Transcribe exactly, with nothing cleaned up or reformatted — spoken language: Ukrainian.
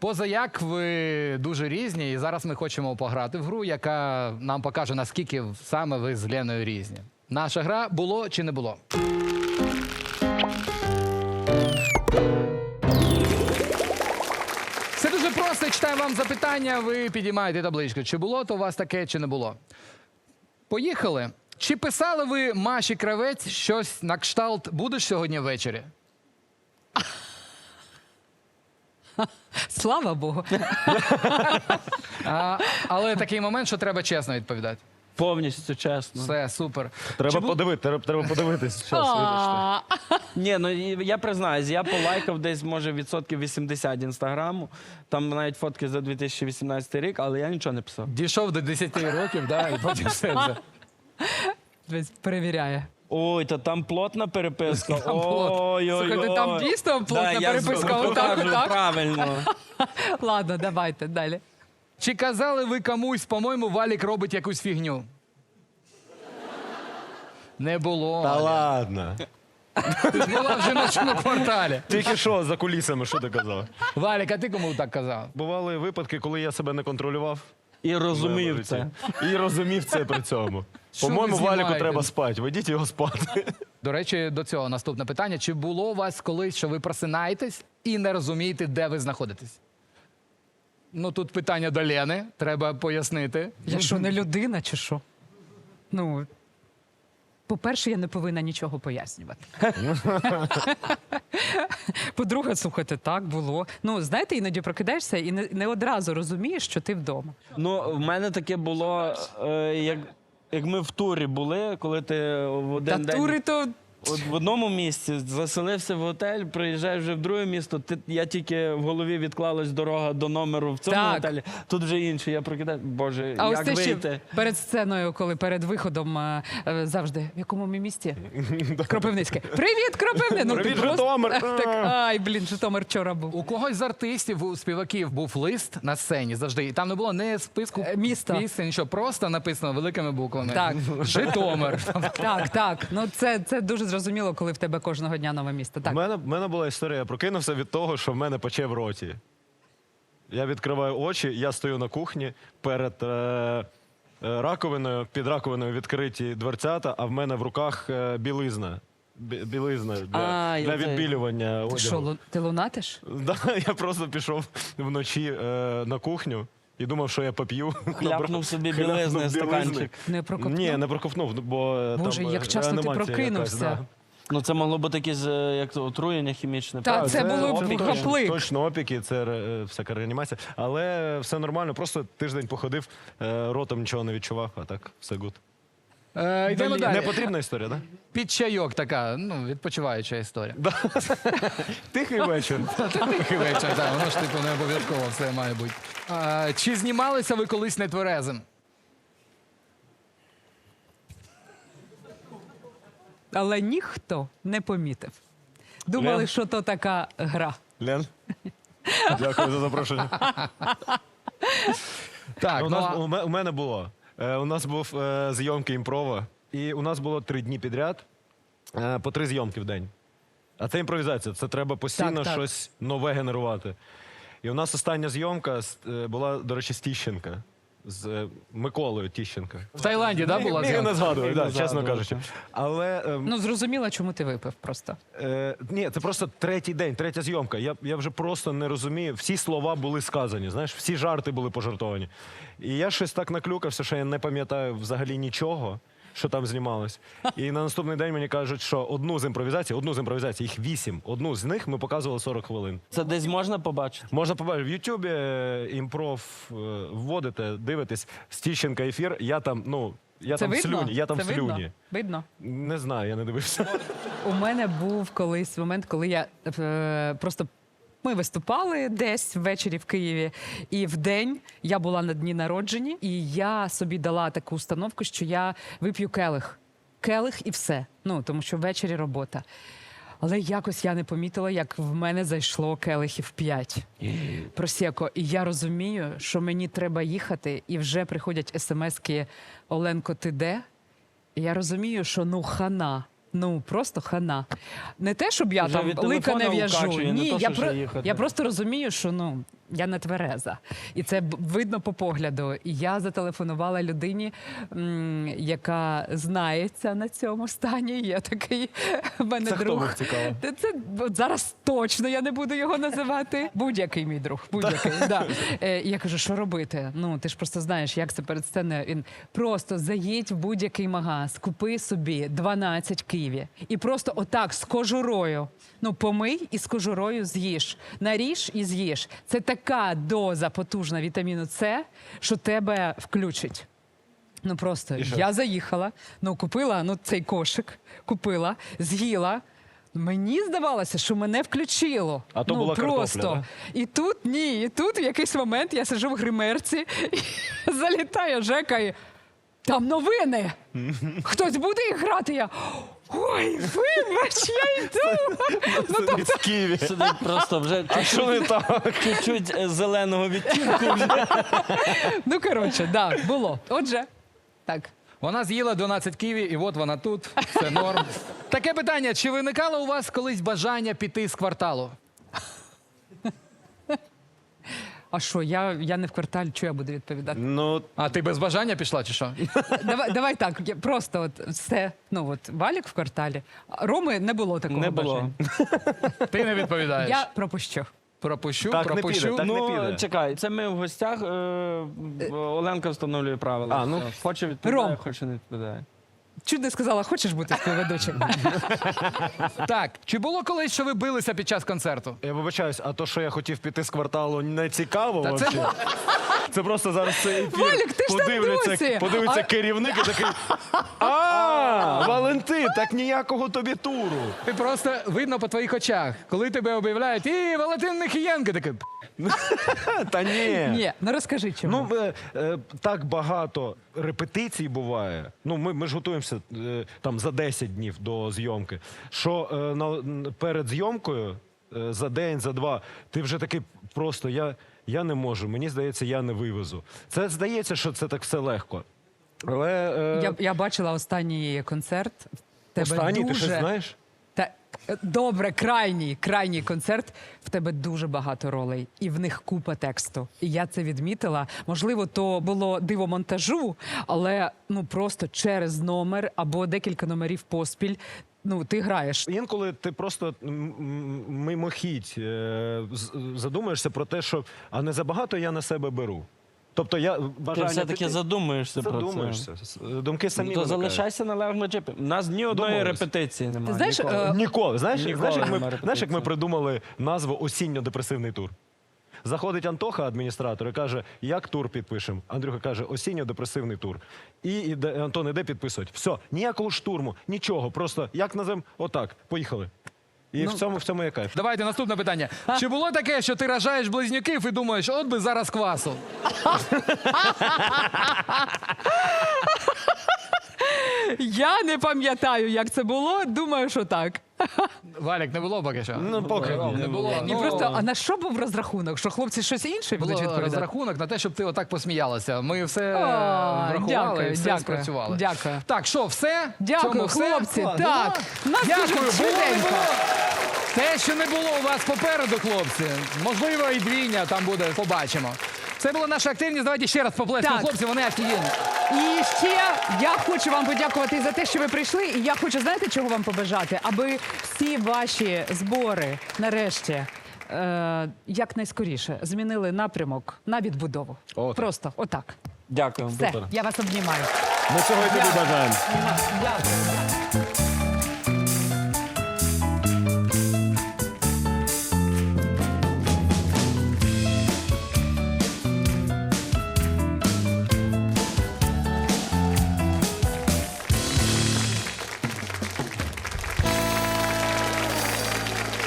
Позаяк ви дуже різні, і зараз ми хочемо пограти в гру, яка нам покаже, наскільки саме ви з Леною різні. Наша гра «Було чи не було?». Все дуже просто. Я читаю вам запитання, ви підіймаєте табличку. Чи було то у вас таке, чи не було. Поїхали. Чи писали ви Маші Кравець щось на кшталт «Будеш сьогодні ввечері»? Слава Богу. А, але такий момент, що треба чесно відповідати. Повністю чесно. Все, супер. Треба бу- подивити, треба, треба подивитись. Щас, вибачте. Ні, ну і я признаюсь, я полайкав десь, може, відсотків вісімдесят інстаграму. Там навіть фотки за дві тисячі вісімнадцятий рік, але я нічого не писав. Дійшов до десяти років, да, і потім все вже. Десь перевіряє. Ой, та там плотна переписка. Там плот. Ой-ой-ой. Слухайте, там дійсно плотна переписка, отак, отак. Правильно. Ладно, давайте далі. Чи казали ви комусь, по-моєму, Валік робить якусь фігню? Не було. Та Аля. ладно. Ти ж була в жіночому кварталі. Тільки що за кулісами, що ти казав? Валік, а ти кому так казав? Бували випадки, коли я себе не контролював. І в розумів моєму це. житті. І розумів це при цьому. Що По-моєму, ви Валіку знімаєте? треба спати. Ведіть його спати. До речі, до цього наступне питання. Чи було у вас колись, що ви просинаєтесь і не розумієте, де ви знаходитесь? Ну, тут питання до Лени, треба пояснити. Я що, не людина чи що? Ну, по-перше, я не повинна нічого пояснювати. По-друге, слухайте, так було. Ну, знаєте, іноді прокидаєшся і не, не одразу розумієш, що ти вдома. Ну, в мене таке було, е, як, як ми в турі були, коли ти в один Та день... тури то... От в одному місці заселився в готель, приїжджаєш вже в друге місто. Ти, я тільки в голові відклалась дорога до номеру в цьому Так. готелі. Тут вже інше. Я прокидаю. Боже, А ось як те, що вийти? перед сценою, коли перед виходом е, е, завжди, в якому ми місті? Кропивницьке. Привіт, Кропивне! Ну, ти Привіт, просто- Житомир! Так, ай, блін, Житомир вчора був. У когось з артистів, у співаків був лист на сцені завжди. І там не було ні списку Е, міста. місця, нічого. Просто написано великими буквами. Так. Житомир. Так, так. Ну це, це дуже зрозуміло, коли в тебе кожного дня нове місто. У Так. мене, в мене була історія. Я прокинувся від того, що в мене пече в роті. Я відкриваю очі, я стою на кухні перед е, е, раковиною, під раковиною відкриті дверцята, а в мене в руках е, білизна. Бі- Білизна для, А, я для це- відбілювання Ти що, одягу. лу- ти лунатиш? Да, я просто пішов вночі е, на кухню і думав, що я поп'ю. Хляпнув собі Хляпнув білизни, білизни. стаканчик. Не прокопнув? Ні, не проковтнув, бо е, Боже, там як е, часто ти реанімація прокинувся. якась, да. Ну це могло бути якесь е, як то, отруєння хімічне. Та, правда? це було б опіки, гаплик. Точно опіки, це е, всяка реанімація. Але все нормально, просто тиждень походив, е, ротом нічого не відчував, а так все гуд. Е, йдемо далі. Не потрібна історія, так? Під чайок така, ну, відпочиваюча історія. Да? Тихий вечір. Та тихий вечір, так, воно ж типу не обов'язково все має бути. А, чи знімалися ви колись нетверезим? Але ніхто не помітив. Думали, Лен? що то така гра. Лен, дякую за запрошення. Так, у, ну, нас, а- у, ме- у мене було. Е, у нас був е, зйомки імпрова, і у нас було три дні підряд, е, по три зйомки в день. А це імпровізація, це треба постійно Так, так. щось нове генерувати. І у нас остання зйомка з- е, була, до речі, з Тіщенка. З е, Миколою Тіщенка. в Таїланді, да, була Міг не зйомка? згадую, Міг да, не чесно згадувати. кажучи. Але е, Ну, зрозуміло, чому ти випив просто. Е, ні, це просто третій день, третя зйомка. Я, я вже просто не розумію. Всі слова були сказані, знаєш, всі жарти були пожартовані. І я щось так наклюкався, що я не пам'ятаю взагалі нічого, що там знімалось. І на наступний день мені кажуть, що одну з імпровізацій, одну з імпровізацій, їх вісім, одну з них ми показували сорок хвилин. Це десь можна побачити? Можна побачити в Ютубі е, імпров е, вводите, дивитесь, Стіщенка ефір, я там, ну, я Це там в видно? слюні, я там Це в слюні. видно? Видно. Не знаю, я не дивився. У мене був колись момент, коли я е, просто. Ми виступали десь ввечері в Києві, і в день я була на дні народження, і я собі дала таку установку, що я вип'ю келих. Келих і все. Ну, тому що ввечері робота. Але якось я не помітила, як в мене зайшло келихів п'ять. Просеко. І я розумію, що мені треба їхати, і вже приходять смски «Оленко, ти де?» І я розумію, що ну хана. Ну, просто хана. Не те, щоб я Вже там від лика не телефона в'яжу. укачує, не Ні, то, я, що про... вже їхати. я просто розумію, що ну, Я не твереза. І це б- видно по погляду. І я зателефонувала людині, м, яка знається на цьому стані. Є такий в мене Це хто друг. був, цікаво? Це, це от зараз точно я не буду його називати. Будь-який мій друг. Будь-який. Да. Е, і я кажу, що робити? Ну, ти ж просто знаєш, як це перед сценою. Він просто заїдь в будь-який магаз, купи собі дванадцять киві. І просто отак з кожурою. Ну, помий і з кожурою з'їж. Наріж і з'їж. Це така доза потужна вітаміну С, що тебе включить. Ну просто І що? я заїхала, ну купила ну, цей кошик, купила, з'їла. Мені здавалося, що мене включило. А то ну, була картопля, просто. да? І тут ні, і тут в якийсь момент я сиджу в гримерці, і залітає Жека і там новини. Хтось буде їх грати? Я ой, вибач, я йду. Ну, тобто, З Києві. Сидить просто вже А що не так? чуть-чуть е, зеленого відтінку. вже. ну коротше, да, було. Отже, так. Вона з'їла дванадцять ківі, і от вона тут. Це норм. Таке питання: чи виникало у вас колись бажання піти з кварталу? А що, я, я не в кварталі, що я буду відповідати? Ну, А ти без бажання пішла, чи що? Давай, давай так, я просто от все. Ну от Валік в кварталі. А Роми не було такого Не було. бажання. Ти не відповідаєш. Я пропущу. Пропущу, Так не пропущу. піде, так не Ну, піде. чекай, це ми в гостях. е, Оленка встановлює правила. А, ну. Все. Хоче відповідає, Ром. хоче не відповідає. Чуть не сказала, хочеш бути співведучим? Так, чи було колись, що ви билися під час концерту? я вибачаюсь, а то, що я хотів піти з кварталу, не цікаво Та це- вообще? Це просто зараз цей ефір. Валік, ти ж там подивляться, досі. подивиться А- керівник і такий. А, Валентин, так ніякого тобі туру. Ти просто видно по твоїх очах, коли тебе об'являють, і Валентин Нехієнко, такий. Та ні. Ні, ну розкажи чому. Ну, е, е, так багато репетицій буває. Ну, ми, ми ж готуємося е, там за десять днів до зйомки. Що е, на, н- перед зйомкою е, за день, за два, ти вже такий просто я, я не можу. Мені здається, я не вивезу. Це здається, що це так все легко. Але е, я, я бачила останній концерт. В Тебе останній, дуже... ти щось знаєш? Та, е, добре, крайній, крайній концерт. В тебе дуже багато ролей, і в них купа тексту. І я це відмітила. Можливо, то було диво монтажу, але ну просто через номер або декілька номерів поспіль. Ну, ти граєш. Інколи ти просто м, м, мимохідь е, з- задумаєшся про те, що а не забагато я на себе беру. Тобто я Ти бажання все-таки піти- задумуєшся про це. задумаєшся. С- Думки самі Ну, то виникають. залишайся на левому джипі. У нас ні одної Домовились. репетиції немає. Ти знаєш, ніколи. е, Ніколи. Знаєш, Ніколи знаєш, як ми, нема знаєш, як ми репетиції. придумали назву осінньо-депресивний тур? Заходить Антоха, адміністратор, і каже, як тур підпишемо? Андрюха каже, осінньо-депресивний тур. І іде, Антон іде підписувати. Все, ніякого штурму, нічого. Просто як назвемо? Отак, поїхали. І в цьому в цьому є кайф. Давайте наступне питання. Чи було таке, що ти рожаєш близнюків і думаєш, от би зараз квасу? Я не пам'ятаю, як це було. Думаю, що так. Валік, не було поки що? Ну, поки ні. не було. І Ну, просто, а на що був розрахунок? Що хлопці щось інше будуть було відповідати? розрахунок на те, щоб ти отак посміялася. Ми все е, А, врахували дякую, і все дякую, спрацювали. дякую. Так, що, все? Дякую, Цьому все? хлопці. Клас. Так, Ну, нас дякую. дуже Було, не швиденько. було. Те, що не було у вас попереду, хлопці. Можливо, і двійня там буде, побачимо. Це була наша активність. Давайте ще раз поплескаємо Так. хлопці, вони офігенні. І ще я хочу вам подякувати за те, що ви прийшли. І я хочу, знаєте, чого вам побажати? Аби всі ваші збори нарешті е, якнайскоріше змінили напрямок на відбудову. Отак. Просто отак. Дякую. Все, я вас обнімаю. Ми цього і тобі бажаємо. Дякую.